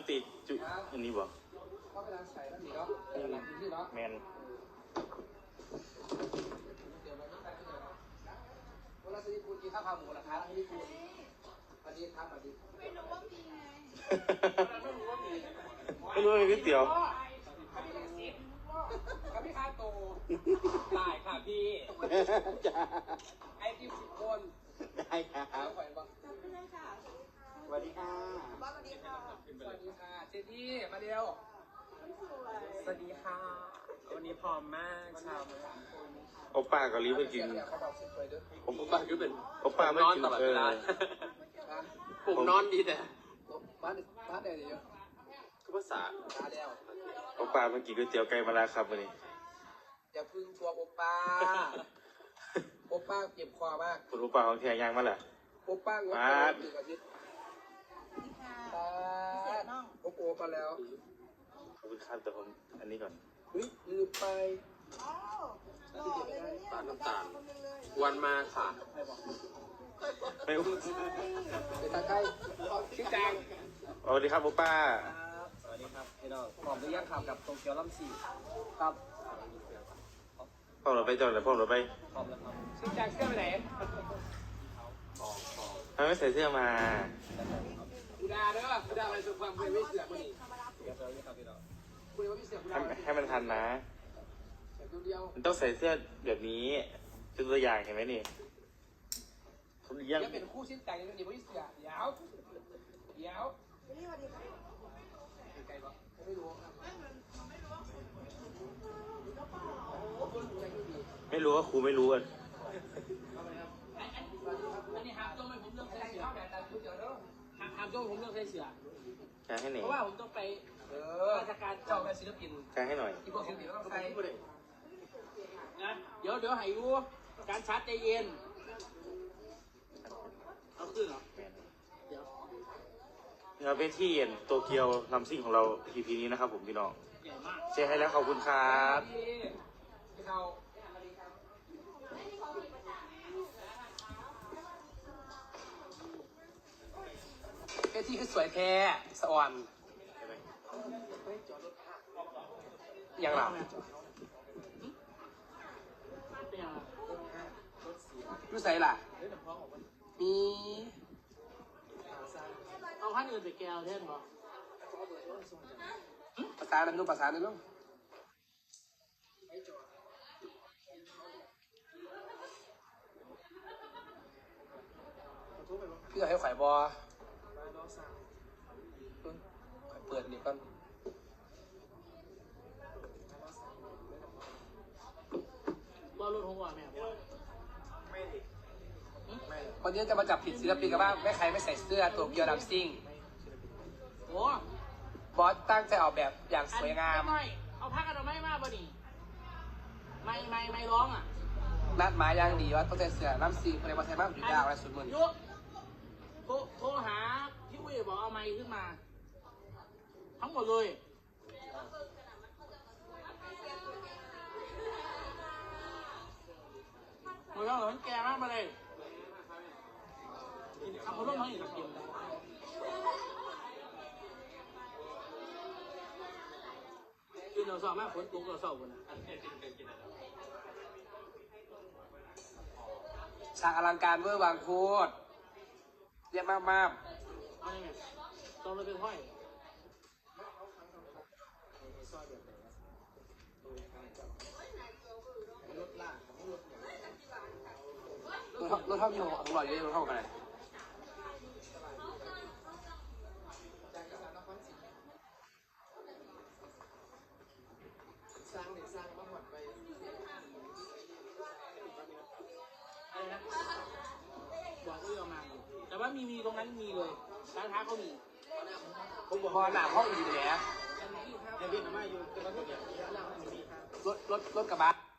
งตีจุอันนี้บ่เข้าไปร้านใส่แล้วนี่เนาะหลังที่เนาะแมนเวลาซื้อปูนกินข้าวขาหมูราคาที่ปูนวันนี้ทำแบบนี้ไม่รู้ว่ามีไงไม่รู้เลยก๋วยเตี๋ยวครับพี่คาโตได้ค่ะพี่ไอ้ที่10 คนได้ครับขอบคุณเลยค่ะสวัสดีค่ะสวัสดีค่ะสวัสดีค่ะเจที่มาเร็วสวัสดีค่ะวันนี้พร้อมมากชาวโอป้ากับลิฟไปกินผมป้าคือเป็นโอป้าไม่กินตลอดเวลาผมนอนดีแต่บ้านเดียวเยอะคือภาษามาแล้วโอป้าเมื่อกี้ก๋วยเตี๋ยวไก่มาแล้วครับวันนี้อย่าพึ่งทัวร์โอป้าโอป้าเจ็บคอมากคุณโอป้าของแท้ยังมาล่ะโอป้างด1 อาทิตย์โอโอมาแล้วขอบคุณครับแต่ผมอันนี้ก่อนเฮ้ยลืมไปปลาน้ำตาลวันมาค่ะไม่รู้ไปทางใกล้ชื่อจางสวัสดีครับโอป้าสวัสดีครับพี่น้องพร้อมหรือยังครับกับโตเกียวลำ4 ครับพ่อเราไปจอดเลยพ่อเราไปพร้อมแล้วครับชื่อจางเสื้อไปไหนทำไมใส่เสื้อมากูด่าเด้อกูด่าอะไรสุดความคุยไม่เสือกนี่คุยว่าไม่เสือกกูด่าให้มันทันนะมันต้องใส่เสื้อแบบนี้เป็นตัวอย่างเห็นไหมนี่เขาเลี้ยงเป็นคู่ชิ้นแต่งนี่ไม่เสือกเดี๋ยวนี่สวัสดีค่ะไกลปะไม่รู้ไม่รู้ว่าครูไม่รู้อ่ะอันนี้หามจ้องไม่ผมเลือกใส่เสือหามจ้องผมเลือกใส่เสือให้หน่อยเพราะว่าผมต้องไปราชการเจ้าแม่ศิลปินให้หน่อยที่พวกศิลปินต้องใส่นะเดี๋ยวให้รู้การชาร์จใจเย็นเอาขึ้นเหรอเดี๋ยวเราไปที่โตเกียวลำซิ่งของเรา EP นี้นะครับผมพี่น้องเช็คให้แล้วขอบคุณครับที่คือสวยแท้สวรรค์ยังหลับรู้ใส่ล่ะมีเอาพันอื่นไปแก้วเท่นบ่ภาษาอะไรนู้นภาษาอะไรนู้นพี่จะให้ไข่บอเปิดนี่ก่อนว่ารถของว่าแม่วันนี้จะมาจับผิดศิลปินกันบ้างแม่ใครไม่ใส่เสื้อตัวเกียวดำซิ่งโอ้บอสตั้งใจออกแบบอย่างสวยงามเอาผ้ากันเอาไม่มาบ่นี่ไม่ร้องอ่ะนัดหมายอย่างดีว่าต้องใส่เสื้อน้ำซิ่งอะไรมาใส่บ้างอยู่ยาวอะไรสุดมือโทรหาพี่อุ้ยบอกเอาไม้ขึ้นมาทั้งหมดเลยหมดแล้วเหรอแกมากมาเลยทำคนร่วมน้อยอีกกินกินเราสอบมากฝนตกเราสอบกันนะฉากอลังการเวอร์วางโคตรเรียบมากเอาไงต้องเลยเป็นห้อยรถเท่าอยู่ของเราเยอะรถเท่ากันเลยสร้างมาหมดไปบอกเรื่องมาแต่ว่ามีตรงนั้นมีเลยร้านค้าเขามีผมบอกพอหนาห้องอยู่เลยนะเดี๋ยวพี่ทำมาอยู่รถกระบะ